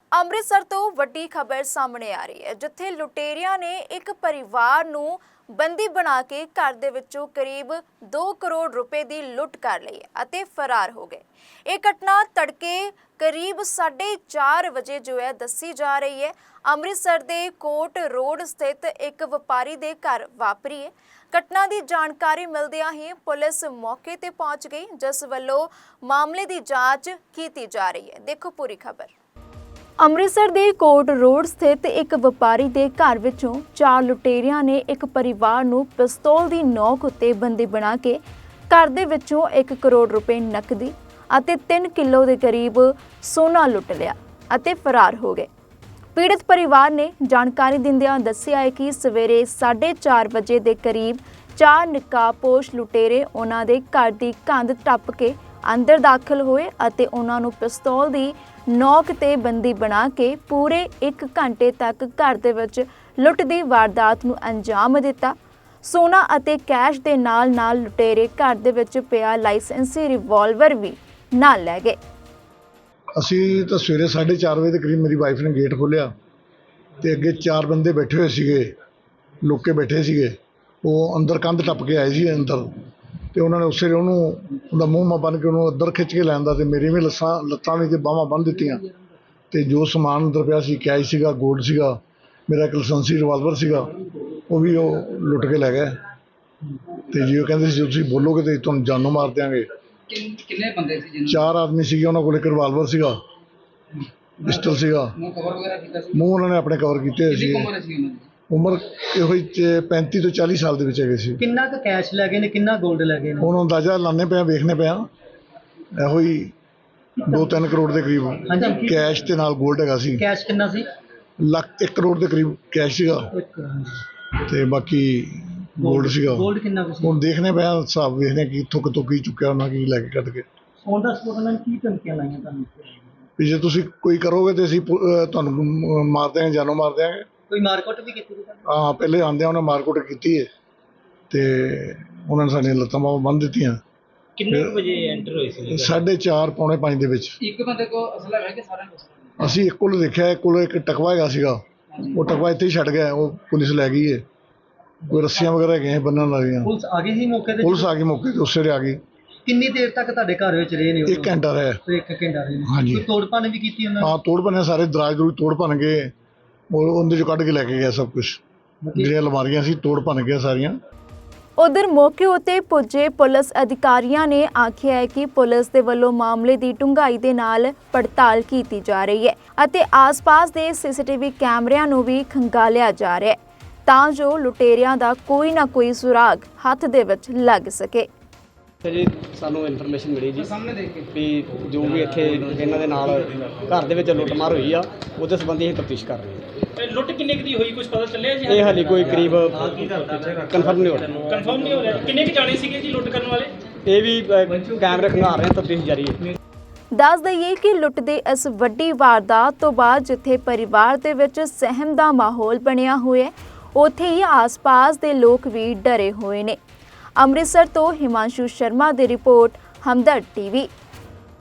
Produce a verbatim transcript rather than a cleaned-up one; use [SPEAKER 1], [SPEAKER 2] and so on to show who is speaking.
[SPEAKER 1] ਅੰਮ੍ਰਿਤਸਰ ਤੋਂ ਵੱਡੀ ਖਬਰ ਸਾਹਮਣੇ ਆ ਰਹੀ ਹੈ, ਜਿੱਥੇ ਲੁਟੇਰਿਆਂ ਨੇ ਇੱਕ ਪਰਿਵਾਰ ਨੂੰ ਬੰਦੀ ਬਣਾ ਕੇ ਘਰ ਦੇ ਵਿੱਚੋਂ ਕਰੀਬ ਦੋ ਕਰੋੜ ਰੁਪਏ ਦੀ ਲੁੱਟ ਕਰ ਲਈ ਅਤੇ ਫਰਾਰ ਹੋ ਗਏ। ਇਹ ਘਟਨਾ ਤੜਕੇ ਕਰੀਬ ਸਾਢੇ ਚਾਰ ਵਜੇ ਜੋ ਹੈ ਦੱਸੀ ਜਾ ਰਹੀ ਹੈ। ਅੰਮ੍ਰਿਤਸਰ ਦੇ ਕੋਟ ਰੋਡ ਸਥਿਤ ਇੱਕ ਵਪਾਰੀ ਦੇ ਘਰ ਵਾਪਰੀ ਹੈ। ਘਟਨਾ ਦੀ ਜਾਣਕਾਰੀ ਮਿਲਦਿਆਂ ਹੀ ਪੁਲਿਸ ਮੌਕੇ ਤੇ ਪਹੁੰਚ ਗਈ, ਜਿਸ ਵੱਲੋਂ ਮਾਮਲੇ ਦੀ ਜਾਂਚ ਕੀਤੀ ਜਾ ਰਹੀ ਹੈ। ਦੇਖੋ ਪੂਰੀ ਖਬਰ। ਅੰਮ੍ਰਿਤਸਰ ਦੇ ਕੋਟ ਰੋਡ ਸਥਿਤ ਇੱਕ ਵਪਾਰੀ ਦੇ ਘਰ ਵਿੱਚੋਂ ਚਾਰ ਲੁਟੇਰਿਆਂ ਨੇ ਇੱਕ ਪਰਿਵਾਰ ਨੂੰ ਪਿਸਤੌਲ ਦੀ ਨੋਕ ਉੱਤੇ ਬੰਦੀ ਬਣਾ ਕੇ ਘਰ ਦੇ ਵਿੱਚੋਂ ਇੱਕ ਕਰੋੜ ਰੁਪਏ ਨਕਦੀ ਅਤੇ ਤਿੰਨ ਕਿਲੋ ਦੇ ਕਰੀਬ ਸੋਨਾ ਲੁੱਟ ਲਿਆ ਅਤੇ ਫਰਾਰ ਹੋ ਗਏ। ਪੀੜਤ ਪਰਿਵਾਰ ਨੇ ਜਾਣਕਾਰੀ ਦਿੰਦਿਆਂ ਦੱਸਿਆ ਹੈ ਕਿ ਸਵੇਰੇ ਸਾਢੇ ਚਾਰ ਵਜੇ ਦੇ ਕਰੀਬ ਚਾਰ ਨਕਾਬਪੋਸ਼ ਲੁਟੇਰੇ ਉਹਨਾਂ ਦੇ ਘਰ ਦੀ ਕੰਧ ਟੱਪ ਕੇ ਅੰਦਰ ਦਾਖਲ ਹੋਏ ਅਤੇ ਉਹਨਾਂ ਨੂੰ ਪਿਸਤੌਲ ਦੀ ਨੋਕ ਤੇ ਬੰਦੀ ਬਣਾ ਕੇ ਪੂਰੇ ਇੱਕ ਘੰਟੇ ਤੱਕ ਘਰ ਦੇ ਵਿੱਚ ਲੁੱਟ ਦੀ ਵਾਰਦਾਤ ਨੂੰ ਅੰਜਾਮ ਦਿੱਤਾ। ਸੋਨਾ ਅਤੇ ਕੈਸ਼ ਦੇ ਨਾਲ ਨਾਲ ਲੁਟੇਰੇ ਘਰ ਦੇ ਵਿੱਚ ਪਿਆ ਲਾਇਸੈਂਸੀ ਰਿਵਾਲਵਰ ਵੀ ਨਾਲ ਲੈ ਗਏ।
[SPEAKER 2] ਅਸੀਂ ਤਾਂ ਸਵੇਰੇ ਸਾਢੇ ਚਾਰ ਵਜੇ ਦੇ ਕਰੀਬ ਮੇਰੀ ਵਾਈਫ ਨੇ ਗੇਟ ਖੋਲ੍ਹਿਆ ਤੇ ਅੱਗੇ ਚਾਰ ਬੰਦੇ ਬੈਠੇ ਹੋਏ ਸੀਗੇ, ਲੁੱਕ ਕੇ ਬੈਠੇ ਸੀਗੇ। ਉਹ ਅੰਦਰ ਕੰਧ ਟੱਪ ਕੇ ਆਏ ਸੀ ਅੰਦਰ, ਤੇ ਉਹਨਾਂ ਨੇ ਉਸੇ ਵੇਲੇ ਉਹਨੂੰ ਉਹਦਾ ਮੂੰਹ ਮਾ ਬੰਨ੍ਹ ਕੇ ਉਹਨੂੰ ਅੰਦਰ ਖਿੱਚ ਕੇ ਲੈਂਦਾ ਤੇ ਮੇਰੀ ਵੀ ਲੱਸਾਂ ਲੱਤਾਂ ਵੀ ਤੇ ਬਾਹਾਂ ਬੰਨ੍ਹ ਦਿੱਤੀਆਂ। ਤੇ ਜੋ ਸਮਾਨ ਅੰਦਰ ਪਿਆ ਸੀ, ਕੈਸ਼ ਸੀਗਾ, ਗੋਲਡ ਸੀਗਾ, ਮੇਰਾ ਇੱਕ ਲਾਇਸੈਂਸੀ ਰਿਵਾਲਵਰ ਸੀਗਾ, ਉਹ ਵੀ ਉਹ ਲੁੱਟ ਕੇ ਲੈ ਗਏ। ਤੇ ਜੀ ਉਹ ਕਹਿੰਦੇ ਸੀ ਤੁਸੀਂ ਬੋਲੋਗੇ ਤੇ ਤੁਹਾਨੂੰ ਜਾਨੋਂ ਮਾਰ ਦਿਆਂਗੇ।
[SPEAKER 3] ਕਿੰਨੇ ਬੰਦੇ ਸੀ?
[SPEAKER 2] ਚਾਰ ਆਦਮੀ ਸੀਗੇ, ਉਹਨਾਂ ਕੋਲ ਇੱਕ ਰਿਵਾਲਵਰ ਸੀਗਾ, ਪਿਸਟਲ ਸੀਗਾ।
[SPEAKER 3] ਮੂੰਹ ਕਵਰ ਵਗੈਰਾ ਕੀਤਾ ਸੀ?
[SPEAKER 2] ਮੂੰਹ ਉਹਨਾਂ ਨੇ ਆਪਣੇ ਕਵਰ ਕੀਤੇ ਹੋਏ ਸੀ।
[SPEAKER 3] ਉਮਰ ਸੀ ਉਹਨਾਂ ਦੀ?
[SPEAKER 2] ਉਮਰ ਇਹੋ ਹੀ ਪੈਂਤੀ ਤੋਂ ਚਾਲੀ ਸਾਲ ਦੇ ਵਿੱਚ ਹੈਗੇ ਸੀ।
[SPEAKER 4] ਕਿੰਨਾ ਕੁ ਕੈਸ਼ ਲੈ ਗਏ ਨੇ, ਕਿੰਨਾ ਗੋਲਡ ਲੈ ਗਏ ਨੇ?
[SPEAKER 2] ਹੁਣ ਅੰਦਾਜ਼ਾ ਲਾਣੇ ਪਿਆ, ਵੇਖਣੇ ਪਿਆ, ਇਹੋ ਹੀ ਦੋ ਤਿੰਨ ਕਰੋੜ ਦੇ ਕਰੀਬ
[SPEAKER 4] ਹਾਂਜੀ।
[SPEAKER 2] ਕੈਸ਼ ਤੇ ਨਾਲ ਗੋਲਡ ਹੈਗਾ ਸੀ।
[SPEAKER 4] ਕੈਸ਼ ਕਿੰਨਾ ਸੀ?
[SPEAKER 2] ਲੱਖ ਇੱਕ ਕਰੋੜ ਦੇ ਕਰੀਬ ਕੈਸ਼ ਸੀਗਾ ਤੇ ਬਾਕੀ ਗੋਲਡ ਸੀਗਾ।
[SPEAKER 4] ਗੋਲਡ ਕਿੰਨਾ ਕੁ ਸੀ?
[SPEAKER 2] ਹੁਣ ਦੇਖਣੇ ਪਿਆ, ਹਿਸਾਬ ਵੇਖਦੇ ਕਿ ਕਿੱਥੋਂ ਕਿੱਥੋਂ ਕੀ ਚੁੱਕਿਆ ਉਹਨਾਂ, ਕੀ ਲੈ ਕੇ ਕੱਢ ਕੇ।
[SPEAKER 4] ਔਨ ਦਾ ਸਪੋਟ ਉਹਨਾਂ ਨੇ ਕੀ ਧਮਕੀਆਂ ਲਾਈਆਂ ਤੁਹਾਨੂੰ?
[SPEAKER 2] ਵੀ ਜੇ ਤੁਸੀਂ ਕੋਈ ਕਰੋਗੇ ਤੇ ਅਸੀਂ ਪੁ- ਅਹ ਤੁਹਾਨੂੰ ਮਾਰ ਦਿਆਂਗੇ, ਜਾਨੋਂ ਮਾਰ ਦਿਆਂਗੇ।
[SPEAKER 4] ਕੋਈ ਮਾਰਕੁੱਟ ਵੀ ਕੀਤੀ ਸੀ?
[SPEAKER 2] ਹਾਂ, ਪਹਿਲੇ ਆਉਂਦਿਆਂ ਉਹਨੇ ਮਾਰਕੁੱਟ ਕੀਤੀ ਹੈ ਤੇ ਉਹਨਾਂ ਨੇ ਸਾਡੀਆਂ ਲੱਤਾਂ ਬਾਹਾਂ ਬੰਨ੍ਹ ਦਿੱਤੀਆਂ।
[SPEAKER 4] ਕਿੰਨੇ ਵਜੇ ਐਂਟਰ ਹੋਏ ਸੀ?
[SPEAKER 2] ਸਾਢੇ ਚਾਰ ਪੌਣੇ ਪੰਜ ਦੇ ਵਿੱਚ।
[SPEAKER 3] ਇੱਕ ਬੰਦੇ ਕੋ ਅਸਲਾ ਹੈ ਕਿ ਸਾਰਿਆਂ ਕੋਲ?
[SPEAKER 2] ਅਸੀਂ ਇੱਕ ਕੋਲ ਦੇਖਿਆ, ਇੱਕ ਕੋਲ ਇੱਕ ਟਕਵਾ ਹੈਗਾ ਸੀਗਾ, ਉਹ ਟਕਵਾ ਇੱਥੇ ਹੀ ਛੱਡ ਗਿਆ, ਉਹ ਪੁਲਿਸ ਲੈ ਗਈ ਹੈ। ਕੋਈ ਰੱਸੀਆਂ ਵਗੈਰਾ ਹੈਗੀਆਂ ਬੰਨ੍ਹਣ ਵਾਲੀਆਂ।
[SPEAKER 4] ਪੁਲਿਸ ਆ ਗਈ ਸੀ ਮੌਕੇ ਤੇ?
[SPEAKER 2] ਪੁਲਿਸ ਆ ਗਈ ਮੌਕੇ ਤੇ, ਉਸੇ ਵੇਲੇ ਆ ਗਈ।
[SPEAKER 4] ਕਿੰਨੀ ਦੇਰ ਤੱਕ ਤੁਹਾਡੇ ਘਰ ਵਿੱਚ ਰਹੇ ਨੇ ਉਹ?
[SPEAKER 2] ਇੱਕ ਘੰਟਾ ਰਿਹਾ।
[SPEAKER 4] ਇੱਕ ਘੰਟਾ ਰਹੇ ਨੇ।
[SPEAKER 2] ਹਾਂਜੀ।
[SPEAKER 4] ਕੋਈ ਤੋੜ ਭੰਨ ਵੀ ਕੀਤੀ ਉਹਨਾਂ ਨੇ?
[SPEAKER 2] ਹਾਂ, ਤੋੜ ਭੰਨਿਆ, ਸਾਰੇ ਦਰਾਜ ਦਰੂਜ ਤੋੜ ਭੰਨ ਗਏ, ਉਹ ਉਹਦੇ ਚੋਂ ਕੱਢ ਕੇ ਲੈ ਕੇ ਗਿਆ ਸਭ ਕੁਛ। ਜਿਹੜੀਆਂ ਅਲਮਾਰੀਆਂ ਸੀ ਤੋੜ ਭੰਨ ਗਿਆ ਸਾਰੀਆਂ।
[SPEAKER 1] ਉਧਰ ਮੌਕੇ ਉੱਤੇ ਪੁੱਜੇ ਪੁਲਿਸ ਅਧਿਕਾਰੀਆਂ ਨੇ ਆਖਿਆ ਹੈ ਕਿ ਪੁਲਿਸ ਦੇ ਵੱਲੋਂ ਮਾਮਲੇ ਦੀ ਡੂੰਘਾਈ ਦੇ ਨਾਲ ਪੜਤਾਲ ਕੀਤੀ ਜਾ ਰਹੀ ਹੈ ਅਤੇ ਆਸ-ਪਾਸ ਦੇ ਸੀਸੀਟੀਵੀ ਕੈਮਰਿਆਂ ਨੂੰ ਵੀ ਖੰਗਾਲਿਆ ਜਾ ਰਿਹਾ ਹੈ ਤਾਂ ਜੋ ਲੁਟੇਰਿਆਂ ਦਾ ਕੋਈ ਨਾ ਕੋਈ ਸੁਰਾਗ ਹੱਥ ਦੇ ਵਿੱਚ ਲੱਗ ਸਕੇ।
[SPEAKER 5] ਜੀ ਸਾਨੂੰ ਇਨਫੋਰਮੇਸ਼ਨ ਮਿਲੀ ਜੀ
[SPEAKER 3] ਸਾਹਮਣੇ ਦੇਖ ਕੇ
[SPEAKER 5] ਵੀ ਜੋ ਵੀ ਇੱਥੇ ਇਹਨਾਂ ਦੇ ਨਾਲ ਘਰ ਦੇ ਵਿੱਚ ਲੁੱਟਮਾਰ ਹੋਈ ਆ, ਉਹਦੇ ਸੰਬੰਧੀ ਅਸੀਂ ਤਫਤੀਸ਼ ਕਰ ਰਹੇ ਹਾਂ।
[SPEAKER 6] ਲੁੱਟ ਕਿੰਨੇ ਕੁ ਦੀ ਹੋਈ, ਕੁਝ ਪਤਾ ਚੱਲਿਆ ਜੀ?
[SPEAKER 5] ਇਹ ਹਾਲੇ ਕੋਈ ਕਰੀਬ ਕਨਫਰਮ ਨਹੀਂ ਹੋ ਰਿਹਾ।
[SPEAKER 6] ਕਨਫਰਮ ਨਹੀਂ ਹੋ ਰਿਹਾ। ਕਿੰਨੇ ਕੁ ਜਾਣੇ ਸੀਗੇ ਜੀ ਲੁੱਟ ਕਰਨ ਵਾਲੇ?
[SPEAKER 5] ਇਹ ਵੀ ਅ, ਕੈਮਰੇ ਖੰਗਾਲ ਰਹੇ ਹਾਂ, ਤਫਤੀਸ਼ ਜਾਰੀ ਹੈ।
[SPEAKER 1] ਦੱਸ ਦਈਏ ਕਿ ਲੁੱਟ ਦੇ ਇਸ ਵੱਡੀ ਵਾਰਦਾਤ ਤੋਂ ਬਾਅਦ ਜਿੱਥੇ ਪਰਿਵਾਰ ਦੇ ਵਿੱਚ ਸਹਿਮ ਦਾ ਮਾਹੌਲ ਬਣਿਆ ਹੋਇਆ ਹੈ, ਉੱਥੇ ਹੀ ਆਸ-ਪਾਸ ਦੇ ਲੋਕ ਵੀ ਡਰੇ ਹੋਏ ਨੇ। ਅੰਮ੍ਰਿਤਸਰ ਤੋਂ ਹਿਮਾਂਸ਼ੂ ਸ਼ਰਮਾ ਦੀ ਰਿਪੋਰਟ, ਹਮਦਰਦ ਟੀਵੀ।